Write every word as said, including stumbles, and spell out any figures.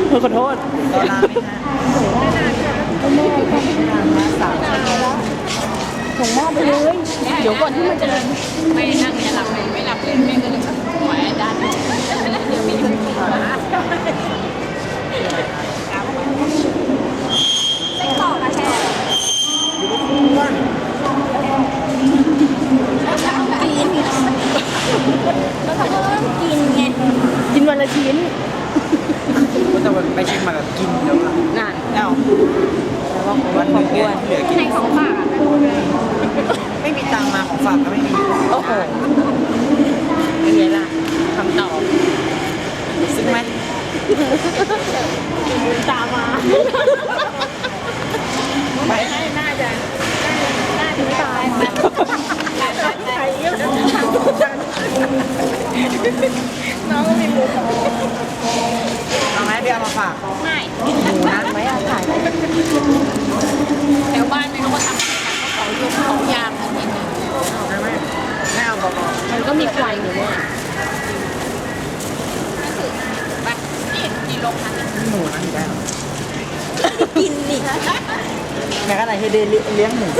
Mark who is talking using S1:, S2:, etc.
S1: ขอโทษ
S2: ตอนลาไม่นาน
S1: แม่ก็นานมาสามส่งหม้อไปเลย เดี๋ยวก่อนที่มันจะ
S3: ไม่นั่งจะหลับไม่ไม่หลับเลยแม่ก็เลยหัวด้านแล้วเดี๋ยวมีหัวไส้กรอกอะแช่
S2: อ้วน
S3: กินแล้วเขาก็ต้องกินไง
S1: กินวันละชิ้น
S2: ก็จะไปเชียงใหม่แบบกินเดี๋ยวละ
S1: น่ะ
S2: เอ้า
S1: แล้วก็
S2: วันหนึ่งเนี่ยเหลือกิน
S3: ในของฝากอะ
S2: ไม่มีตังค์มาของฝากก็ไม่มี
S1: โอ้โหเป็นไงล่ะคำตอบ
S2: ซื้อไหม
S1: ตามมา
S2: ไป
S1: น่าจะน่าจะตายใครเยอะน้องก็มีมุก
S2: เอาไหมเดี๋ยวเอามาฝาก
S3: ไม่
S2: หมูนะ
S1: ไม่เอาถ่าย
S3: แถวบ้านไม่รู้ว่าทำอะไรกันเขายงเขายางอะไรอย่างเงี้ย
S2: ไม่ไม่ไม่เอาบอก
S1: มันก็มีไฟอยู่เนี่ย
S3: ไปนี่นี่ลงทัน
S2: หมูนะอยู่ได้หรอ
S1: กินดิ
S2: แม่ก็ไหนให้เดเลี้ยงหมู